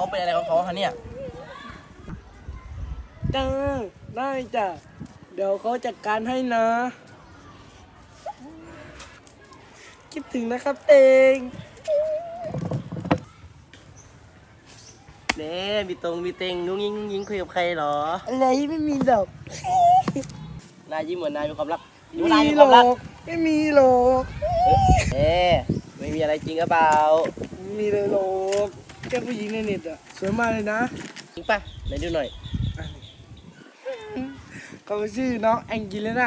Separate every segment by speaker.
Speaker 1: เขาเป็นอะไรของเขาคะเนี่ย
Speaker 2: จ้าได้จ้ะเดี๋ยวเขาจัดการให้นะคิดถึงนะครับเอง
Speaker 1: เน่มีตรงมีเต็งนุ้งยิงคุยกับใครเหรอ
Speaker 2: อะไรไม่มีดอก
Speaker 1: นายยิ้มเหมือนนายมีความรัก
Speaker 2: ไม่มีหรอกไม่มีหรอก
Speaker 1: เอ๊ไม่มีอะไรจริงหรือเปล่า
Speaker 2: ไม่มีเลยหรอกแค่ผู้หญิงในเน็ตอะสวยมากเลยนะ
Speaker 1: จริงป่ะไหนดูหน่อย
Speaker 2: เขาชื่อน้องแองกิเลน่า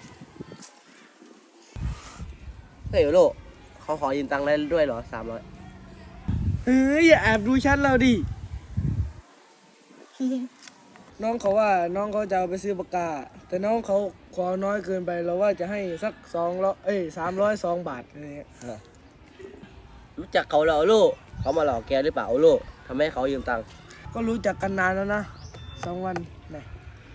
Speaker 1: เฮ้ยโลเขาขอยืมตังค์ได้ด้วยเหรอ300
Speaker 2: เฮ้ยอย่าแอบดูชั้นเราดิน้องเขาว่าน้องเขาจะเอาไปซื้อปากกาแต่น้องเขาขอน้อยเกินไปเราว่าจะให้สัก302 บาทอะไรเงี้ย
Speaker 1: รู้จักเขาเหรอโลเขามาหลอกแกหรือเปล่าโลทำให้เขายืมตังค์
Speaker 2: ก็รู้จักกันนานแล้วนะ2 วันนะ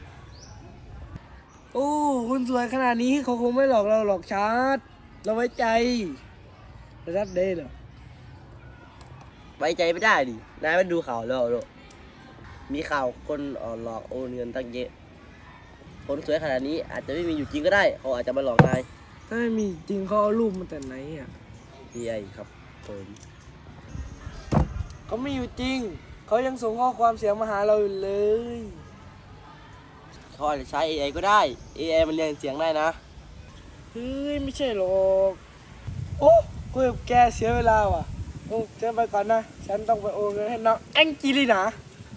Speaker 2: โอ้คุณสวยขนาดนี้เขาคงไม่หลอกเราหรอกชาร์ตเราไว้ใจระดับเดย์เหรอ
Speaker 1: ไว้ใจไม่ได้ดินายไม่ดูข่าวแล้วโลมีข่าวคนหลอกโอนเงินตั้งเยอะคนสวยขนาดนี้อาจจะไม่มีอยู่จริงก็ได้เขาอาจจะมาหลอกนาย
Speaker 2: ถ้าไม่มีจริงเขาเอารูปมาแต่ไหนอ่ะ
Speaker 1: AI ครับผม
Speaker 2: เขาไม่อยู่จริงเขายังส่งข้อความเสียงมาหาเราอยู่เลย
Speaker 1: เขาอาจจะใช้ AI ก็ได้ AI มันเรียนเสียงได้นะ
Speaker 2: เฮ้ยไม่ใช่หรอกโอ้คุยกับแกเสียเวลาว่ะโอ้เจ๊ไปก่อนนะฉันต้องไปโอนเงินให้น้องแองจิลีนะ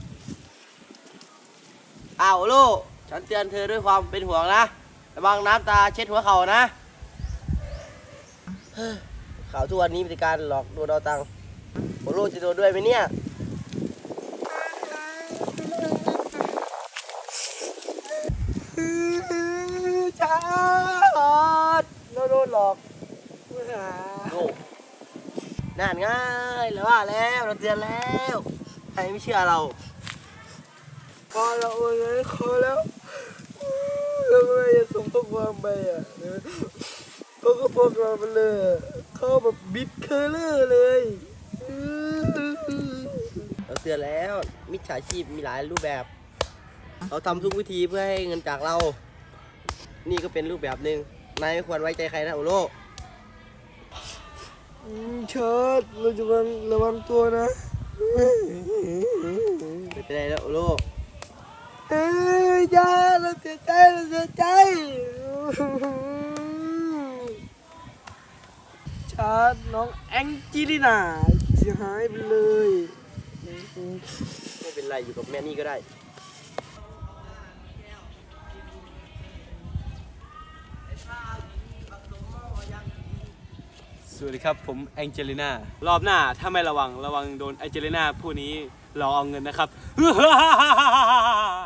Speaker 1: อ้าวลูกฉันเตือนเธอด้วยความเป็นห่วงนะระวังน้ำตาเช็ดหัวเข่านะข่าวทุกวันนี้มีการหลอกโดนเอาตังค์โอโลจะโดนด้วยไหมเนี่ย
Speaker 2: จ้าเราโดนหลอก
Speaker 1: โอ้นั่นง่ายแล้วว่าแล้วเราเตือนแล้วใครไม่เชื่อเรา
Speaker 2: พอเราโอนเงินให้เขาแล้วเราก็เลยจะส่งข้อความไปอ่ะเขาก็บอกเราไปเลยเขาแบบบิดเคอร์เลอร์เลย
Speaker 1: เราเตือนแล้วมิจฉาชีพมีหลายรูปแบบเขาทำทุกวิธีเพื่อให้เงินจากเรานี่ก็เป็นรูปแบบหนึ่งนายไม่ควรไว้ใจใครนะโอโล
Speaker 2: เชิดเราจะระวังตัวนะ
Speaker 1: ไม่เป็นไรแล้วโอโล
Speaker 2: เฮ้ยจ้าเราเสียใจชาร์จน้องแองจิลีน่าเสียหายไปเลย
Speaker 1: ไม่เป็นไรอยู่กับแม่นี่ก็ได้
Speaker 3: สวัสดีครับผมแองเจลิน่ารอบหน้าถ้าไม่ระวังโดนแองเจลิน่าผู้นี้หลอกเอาเงินนะครับ